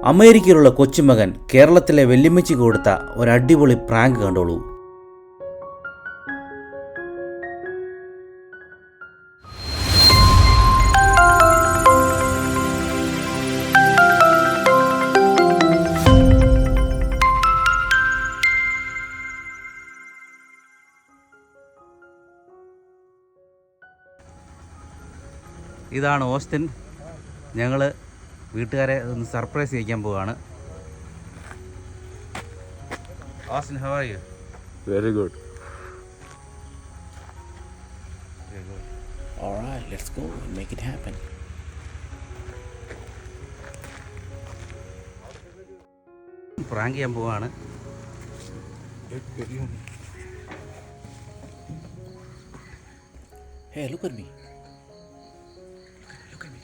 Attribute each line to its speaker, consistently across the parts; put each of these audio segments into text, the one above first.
Speaker 1: അമേരിക്കയിലുള്ള കൊച്ചുമകൻ കേരളത്തിലെ വെല്ലുമ്മച്ചിക്ക് കൊടുത്ത ഒരടിപൊളി പ്രാങ്ക് കണ്ടോളൂ. ഇതാണ് ഓസ്റ്റിൻ. ഞങ്ങൾ വീട്ടുകാരെ ഒന്ന് സർപ്രൈസ് ചെയ്യിക്കാൻ പോവാണ്. Austin, how are you?
Speaker 2: Very good.
Speaker 1: Very good.
Speaker 2: All right, let's go and make it happen.
Speaker 1: Prank ചെയ്യാൻ പോവാണ്.
Speaker 2: Hey, look at me. Look at me.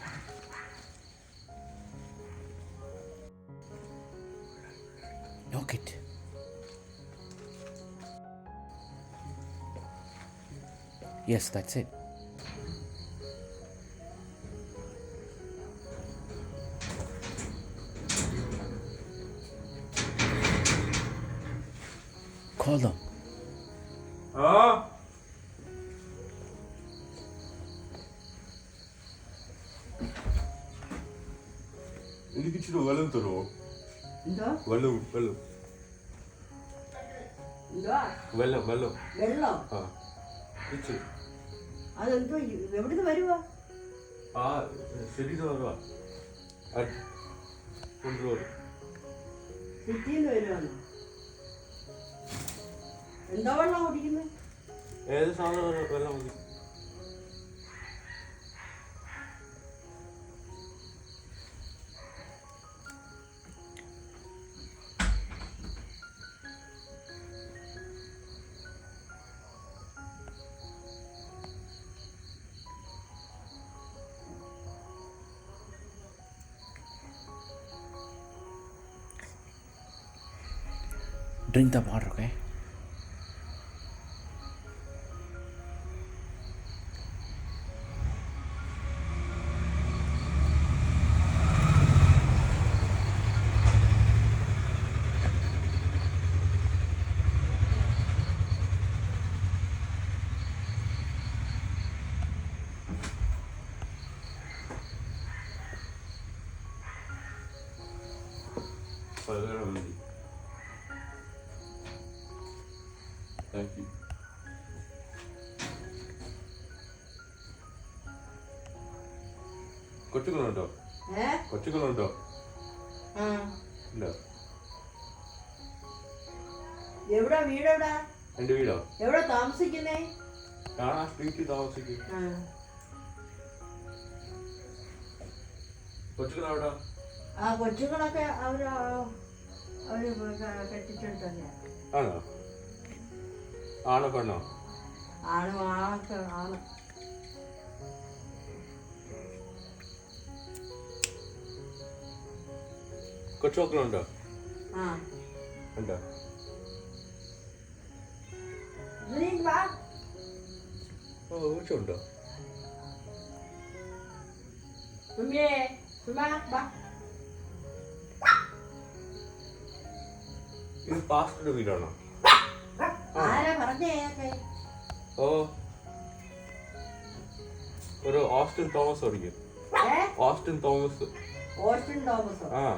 Speaker 2: Knock it. Yes, that's it. Call them.
Speaker 3: എനിക്ക് ഇച്ചിരി വെള്ളം തരുമോ? വെള്ളം വെള്ളം വെള്ളം വെള്ളം
Speaker 4: വെള്ളം
Speaker 3: ആ ഇച്ചിരി
Speaker 4: അതെന്തോ എവിടുന്ന് വരുവാ?
Speaker 3: ആ ശരി വരുവാ കൊണ്ടുവരും.
Speaker 4: സിറ്റിന്ന് വരുവാണ്. എന്തോ വെള്ളം കുടിക്കുന്നത്?
Speaker 3: ഏത് സാധനം വെള്ളം മതി.
Speaker 2: Drink the water, okay?
Speaker 3: വെള്ളം മതി. Thank you. കൊച്ചുകളുണ്ടോ? കൊച്ചുകളുണ്ടോ? ഇല്ല.
Speaker 4: എവിടാ വീടെവിടാ?
Speaker 3: എന്റെ വീടോ?
Speaker 4: എവിടെ താമസിക്കുന്നേ?
Speaker 3: ഞാൻ ആ സ്ട്രീറ്റിൽ താമസിക്കും. കൊച്ചുകളെവിടാ?
Speaker 4: ആ കൊച്ചുങ്ങളൊക്കെ അവര് കെട്ടിച്ചിട്ട് തന്നെയാ.
Speaker 3: ആണോ? ആണോ പെണ്ണോ?
Speaker 4: ആണ് ആണൊക്കെ ആണ്.
Speaker 3: കൊച്ചുമക്കളുണ്ടോ?
Speaker 4: ആ
Speaker 3: ഉണ്ടോ?
Speaker 4: നീ വാ.
Speaker 3: ഓ കൊച്ചുണ്ടോ?
Speaker 4: സുമിയേ സുമാ വാ.
Speaker 3: ഇത് പാസ്റ്ററുടെ വീടാണോ?
Speaker 4: ആരാ പറഞ്ഞേ?
Speaker 3: ഓ ഒരു ഓസ്റ്റിൻ തോമസ് പഠിക്കും. Austin Thomas.
Speaker 4: ഓസ്റ്റിൻ തോമസോ?
Speaker 3: ആ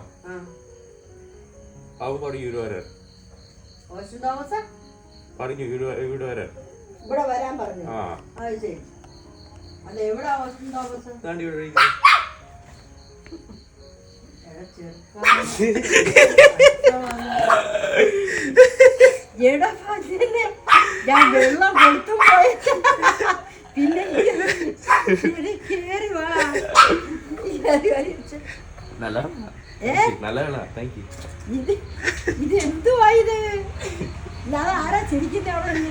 Speaker 3: അവ പറഞ്ഞു ഇവിടെ വരാൻ.
Speaker 4: ഓസ്റ്റിൻ തോമസ്
Speaker 3: പറഞ്ഞു ഇവിടെ വരാൻ.
Speaker 4: ഇവിടെ വരാൻ പറഞ്ഞു.
Speaker 3: ആ
Speaker 4: അത് ശരി. അത് എവിടാ ഓസ്റ്റിൻ തോമസ്?
Speaker 3: ദാണ്ടി ഇവിടെ ഇരിക്കുന്നു.
Speaker 4: ഞാൻ വെള്ളം കൊടുത്തു പോയ പിന്നെ കേറി വാ. ഇത് എന്തുവാ ഇത്? ഇല്ലാതെ ആരാ ചിരിക്കുന്ന അവിടെ?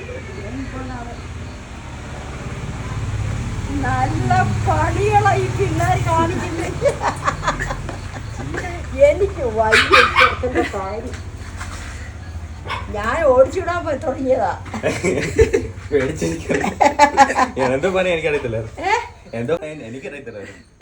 Speaker 4: നല്ല പണികളായി പിള്ളേർ കാണിക്കുന്നത്. എനിക്ക് വൈകിട്ട് കാര്യം ഞാൻ ഓടിച്ചുവിടാൻ പോയി തുടങ്ങിയതാ.
Speaker 3: എന്തോ പണി എനിക്കറിയത്തില്ല. എന്തോ എനിക്കറിയത്തില്ല.